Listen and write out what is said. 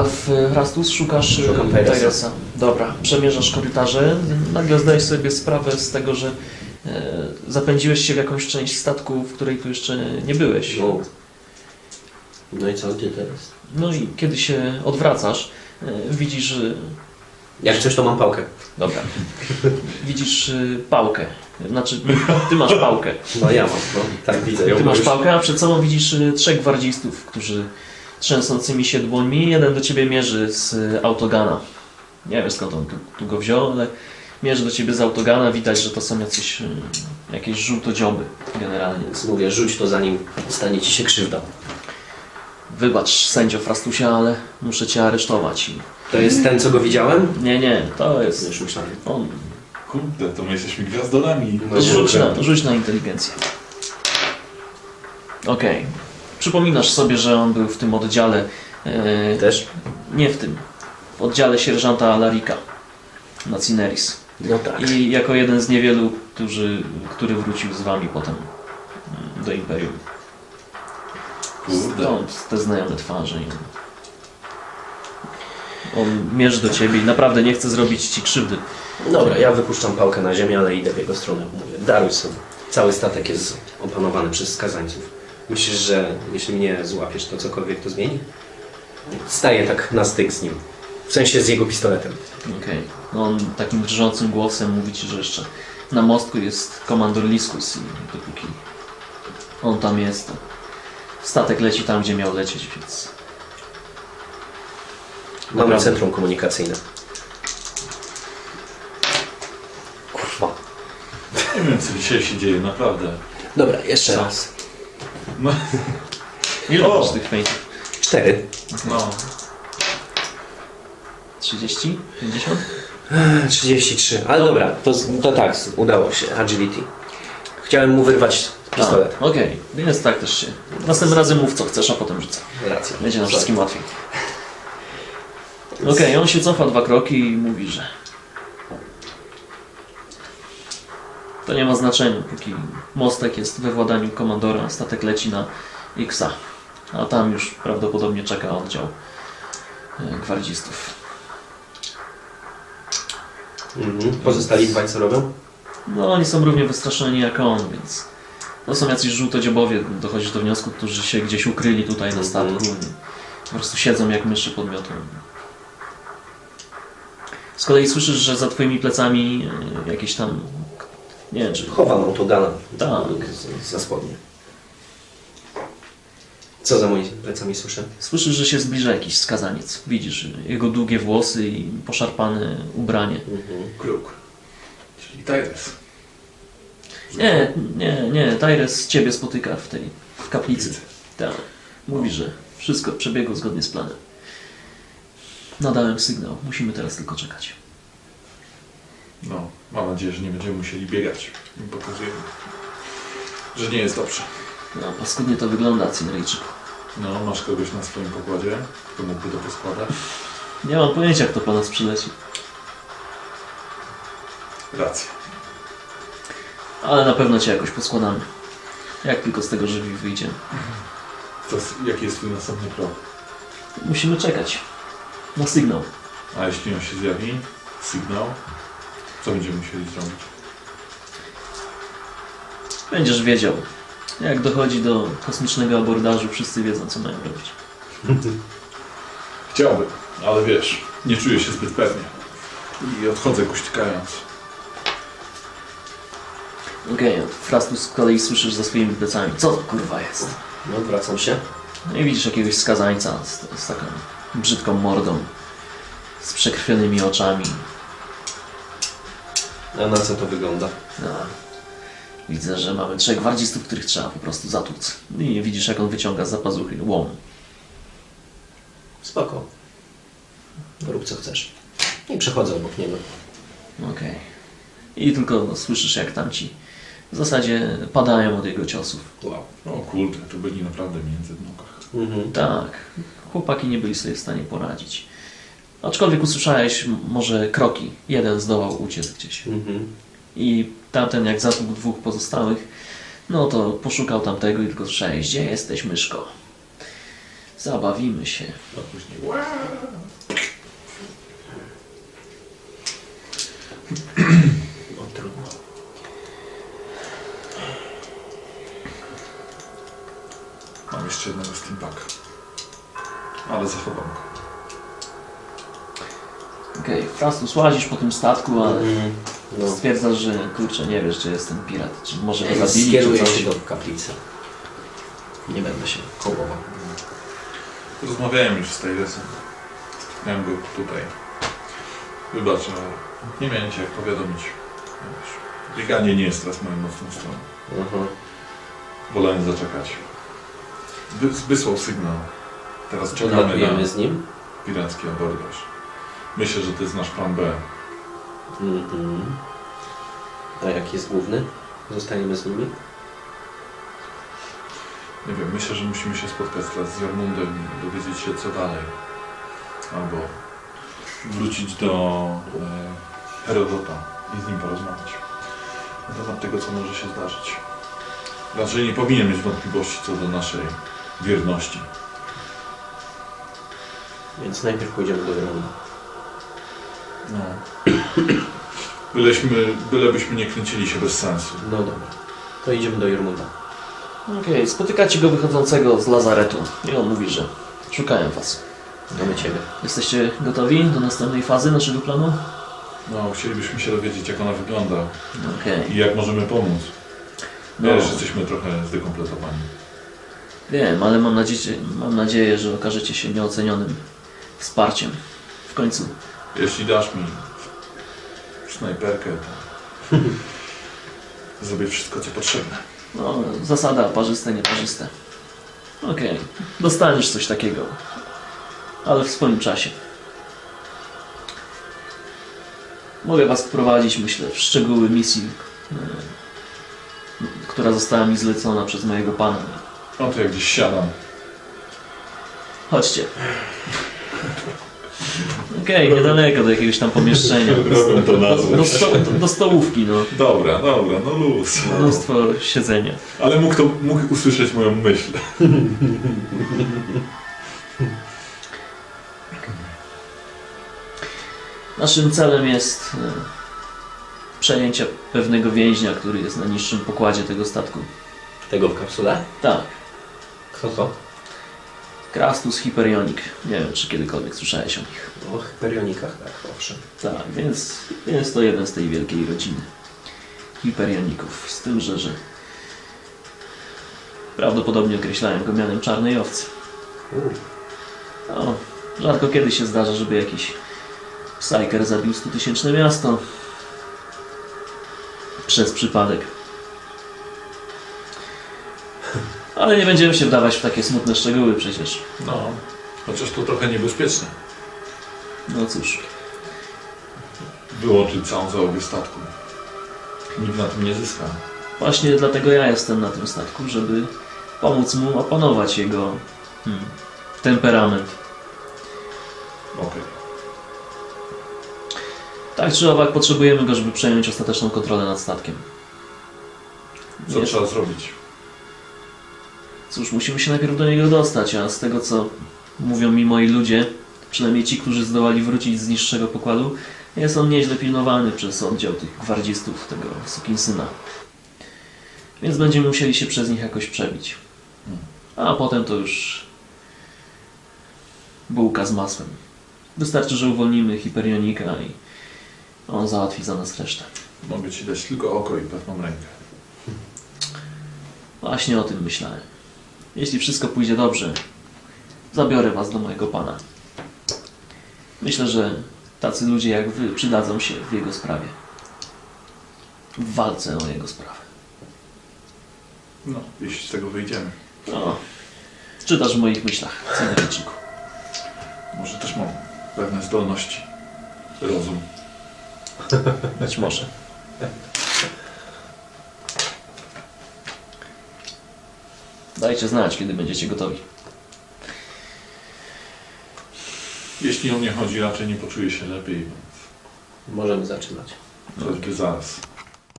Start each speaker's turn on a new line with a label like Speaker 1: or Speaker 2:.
Speaker 1: Alf Rastus, szukasz
Speaker 2: Szukam
Speaker 1: Tyresa. Dobra, przemierzasz korytarze. Nagle zdajesz sobie sprawę z tego, że zapędziłeś się w jakąś część statku, w której tu jeszcze nie byłeś.
Speaker 2: No i co, gdzie teraz?
Speaker 1: No i kiedy się odwracasz, widzisz...
Speaker 2: Jak coś, to mam pałkę.
Speaker 1: Dobra. Widzisz pałkę. Znaczy, ty masz pałkę.
Speaker 2: No ja mam, no. Tak widzę.
Speaker 1: Ty masz pałkę, a przed sobą widzisz 3 gwardzistów, którzy trzęsącymi się dłońmi, jeden do ciebie mierzy z autogana. Nie wiem skąd on tu go wziął, ale mierzy do ciebie z autogana. Widać, że to są jakieś żółtodzioby generalnie.
Speaker 2: Więc mówię, rzuć to zanim stanie ci się krzywda.
Speaker 1: Wybacz, sędzio Frastusia, ale muszę cię aresztować.
Speaker 2: To jest ten, co go widziałem?
Speaker 1: Nie, to jest...
Speaker 2: Już myślałem.
Speaker 1: On.
Speaker 3: Kurde, to my jesteśmy gwiazdolami.
Speaker 1: Rzuć na inteligencję. Okej. Przypominasz sobie, że on był w tym oddziale...
Speaker 2: Też?
Speaker 1: Nie w tym. W oddziale sierżanta Alarika na Cineris.
Speaker 2: No tak.
Speaker 1: I jako jeden z niewielu, który wrócił z wami potem do Imperium.
Speaker 3: Kurde.
Speaker 1: Stąd te znajome twarze. On mierzy do ciebie i naprawdę nie chce zrobić ci krzywdy.
Speaker 2: Dobra, ja wypuszczam pałkę na ziemię, ale idę w jego stronę. Mówię, daruj sobie. Cały statek jest opanowany przez skazańców. Myślisz, że jeśli mnie złapiesz, to cokolwiek to zmieni? Staję tak na styk z nim. W sensie z jego pistoletem.
Speaker 1: Okej. No on takim drżącym głosem mówi ci, że jeszcze na mostku jest komandor Liskus i dopóki on tam jest, to statek leci tam, gdzie miał lecieć, więc...
Speaker 2: Mamy
Speaker 1: Naprawdę.
Speaker 2: centrum komunikacyjne. Kurwa.
Speaker 3: Nie wiem, co dzisiaj się dzieje, naprawdę.
Speaker 2: Dobra, jeszcze
Speaker 1: Co?
Speaker 2: raz.
Speaker 3: No,
Speaker 1: Ile
Speaker 3: O!
Speaker 1: masz tych feintów?
Speaker 2: 4.
Speaker 3: no.
Speaker 1: 30? 50?
Speaker 2: 33. Ale dobra, to tak, udało się. Agility. Chciałem mu wyrwać pistolet.
Speaker 1: Okej, więc tak też się... Następnym razem mów co chcesz, a potem rzucę.
Speaker 2: Racja.
Speaker 1: Będzie nam wszystkim łatwiej. Okej, on się cofa 2 kroki i mówi, że to nie ma znaczenia, póki mostek jest we władaniu komandora, statek leci na Xa, a tam już prawdopodobnie czeka oddział gwardzistów.
Speaker 2: Pozostali dwaj co robią?
Speaker 1: No oni są równie wystraszeni jak on, więc to są jacyś żółtodziobowie, dochodzisz do wniosku, którzy się gdzieś ukryli tutaj na statku i po prostu siedzą jak myszy pod miotłem. Z kolei słyszysz, że za twoimi plecami jakieś tam, nie wiem czy...
Speaker 2: Chowam autogana.
Speaker 1: Tak.
Speaker 2: Za spodnie. Co za moimi plecami słyszę?
Speaker 1: Słyszysz, że się zbliża jakiś skazaniec. Widzisz jego długie włosy i poszarpane ubranie.
Speaker 3: Kruk. Czyli Tyrus.
Speaker 1: Nie, Tyrus ciebie spotyka w kaplicy. Tak. Mówi, że wszystko przebiegło zgodnie z planem. Nadałem sygnał. Musimy teraz tylko czekać.
Speaker 3: No, mam nadzieję, że nie będziemy musieli biegać. Im pokazujemy, że nie jest dobrze.
Speaker 1: No, paskudnie to wygląda, Cinryjczyku.
Speaker 3: No, masz kogoś na swoim pokładzie, kto mógłby to poskładać?
Speaker 1: Nie mam pojęcia, kto po nas przyleci.
Speaker 3: Racja.
Speaker 1: Ale na pewno cię jakoś poskładamy. Jak tylko z tego żywi wyjdziemy.
Speaker 3: To jaki jest twój następny krok?
Speaker 1: Musimy czekać na sygnał.
Speaker 3: A jeśli on się zjawi, sygnał, co będziemy musieli zrobić?
Speaker 1: Będziesz wiedział. Jak dochodzi do kosmicznego abordażu, wszyscy wiedzą, co mają robić.
Speaker 3: Chciałbym, ale wiesz, nie czuję się zbyt pewnie. I odchodzę kuśtykając.
Speaker 1: Okej, Frastus z kolei słyszysz za swoimi plecami. Co to kurwa jest?
Speaker 2: No, wracam się.
Speaker 1: No i widzisz jakiegoś skazańca z taką brzydką mordą, z przekrwionymi oczami.
Speaker 2: A na co to wygląda?
Speaker 1: No. Widzę, że mamy 3 gwardzistów, których trzeba po prostu zatłuc. I widzisz, jak on wyciąga z pazuchy łom.
Speaker 2: Spoko. Rób co chcesz. I przechodzę obok niego.
Speaker 1: Okej. I tylko słyszysz, jak tamci w zasadzie padają od jego ciosów.
Speaker 2: Wow.
Speaker 3: O kurde, to byli naprawdę między w nogach.
Speaker 1: Tak, chłopaki nie byli sobie w stanie poradzić. Aczkolwiek usłyszałeś może kroki. Jeden zdołał uciec gdzieś. I tamten, jak zatłukł 2 pozostałych, no to poszukał tamtego i tylko słyszałeś: gdzie jesteś, myszko? Zabawimy się.
Speaker 3: A później... Ła!
Speaker 2: No trudno.
Speaker 3: Mam jeszcze jednego steampaka. Ale zachowam go.
Speaker 1: Okej, Frastus, łazisz po tym statku, ale
Speaker 2: No.
Speaker 1: stwierdzasz, że kurczę, nie wiesz, czy jest ten pirat. Czy może go zabili, czy
Speaker 2: Skieruję
Speaker 1: coś.
Speaker 2: się do kaplicy. Nie będę się kołował.
Speaker 3: Rozmawiałem już z Tyresem. Miałem go tutaj. Wybacz, ale nie miałem cię jak powiadomić. Wiesz, bieganie nie jest teraz moją mocną stroną.
Speaker 2: Mhm.
Speaker 3: Wolałem zaczekać. Wysłał sygnał. Teraz czekamy
Speaker 2: Odlatujemy
Speaker 3: na
Speaker 2: z nim.
Speaker 3: piracki abordaż. Myślę, że to jest nasz plan B.
Speaker 2: Mhm. A jaki jest główny? Zostaniemy z nimi?
Speaker 3: Nie wiem, myślę, że musimy się spotkać teraz z Jormundem i dowiedzieć się co dalej. Albo wrócić do Herodota i z nim porozmawiać na temat tego, co może się zdarzyć. Raczej nie powinien mieć wątpliwości co do naszej wierności.
Speaker 2: Więc najpierw pójdziemy do Jormunda.
Speaker 3: No. Bylebyśmy nie kręcili się bez sensu.
Speaker 2: No dobra. To idziemy do Jormunda.
Speaker 1: Okej, spotykacie go wychodzącego z lazaretu i on mówi, że szukają was.
Speaker 2: Mamy ciebie.
Speaker 1: Jesteście gotowi do następnej fazy naszego planu?
Speaker 3: No, chcielibyśmy się dowiedzieć, jak ona wygląda
Speaker 1: Okej.
Speaker 3: i jak możemy pomóc.
Speaker 1: No.
Speaker 3: Wiesz, jesteśmy trochę zdekompletowani.
Speaker 1: Wiem, ale mam nadzieję, że okażecie się nieocenionym wsparciem. W końcu.
Speaker 3: Jeśli dasz mi snajperkę, to zrobię wszystko, co potrzebne.
Speaker 1: No, zasada parzyste, nieparzyste. Okej, dostaniesz coś takiego. Ale w swoim czasie. Mogę was wprowadzić, myślę, w szczegóły misji, która została mi zlecona przez mojego pana.
Speaker 3: No to jak gdzieś siadam.
Speaker 1: Chodźcie. Okej, niedaleko do jakiegoś tam pomieszczenia.
Speaker 3: Skąd to nazwę?
Speaker 1: Do stołówki, no.
Speaker 3: Dobra, no luz.
Speaker 1: Mnóstwo siedzenia.
Speaker 3: Ale mógł usłyszeć moją myśl.
Speaker 1: Naszym celem jest przejęcie pewnego więźnia, który jest na niższym pokładzie tego statku.
Speaker 2: Tego w kapsule?
Speaker 1: Tak,
Speaker 2: Kto to?
Speaker 1: Krastus Hyperionik. Nie wiem, czy kiedykolwiek słyszałeś o nich.
Speaker 2: O Hyperionikach, tak, owszem.
Speaker 1: Tak, więc jest to jeden z tej wielkiej rodziny Hyperioników. Z tym, że prawdopodobnie określałem go mianem czarnej owcy. No, rzadko kiedy się zdarza, żeby jakiś Psyker zabił 100-tysięczne miasto przez przypadek. Ale nie będziemy się wdawać w takie smutne szczegóły przecież.
Speaker 3: No, chociaż to trochę niebezpieczne.
Speaker 1: No cóż,
Speaker 3: Wyłączyć całą załogę statku. Nikt na tym nie zyska.
Speaker 1: właśnie dlatego ja jestem na tym statku, żeby pomóc mu opanować jego temperament.
Speaker 3: Okej.
Speaker 1: Tak czy owak potrzebujemy go, żeby przejąć ostateczną kontrolę nad statkiem.
Speaker 3: Co
Speaker 1: Jest-
Speaker 3: trzeba zrobić?
Speaker 1: Cóż, musimy się najpierw do niego dostać, a z tego co mówią mi moi ludzie, przynajmniej ci, którzy zdołali wrócić z niższego pokładu, jest on nieźle pilnowany przez oddział tych gwardzistów, tego sukinsyna. Więc będziemy musieli się przez nich jakoś przebić. A potem to już bułka z masłem. Wystarczy, że uwolnimy Hyperionika i on załatwi za nas resztę.
Speaker 3: Mogę ci dać tylko oko i pewną rękę.
Speaker 1: Właśnie o tym myślałem. Jeśli wszystko pójdzie dobrze, zabiorę was do mojego pana. Myślę, że tacy ludzie jak wy przydadzą się w jego sprawie. W walce o jego sprawę.
Speaker 3: No, jeśli z tego wyjdziemy.
Speaker 1: No, czytasz w moich myślach, Cynewicziku.
Speaker 3: Może też mam pewne zdolności. Rozum.
Speaker 1: Być może. Dajcie znać, kiedy będziecie gotowi.
Speaker 3: Jeśli o mnie chodzi, raczej nie poczuję się lepiej, więc
Speaker 2: Możemy zaczynać.
Speaker 3: choćby zaraz.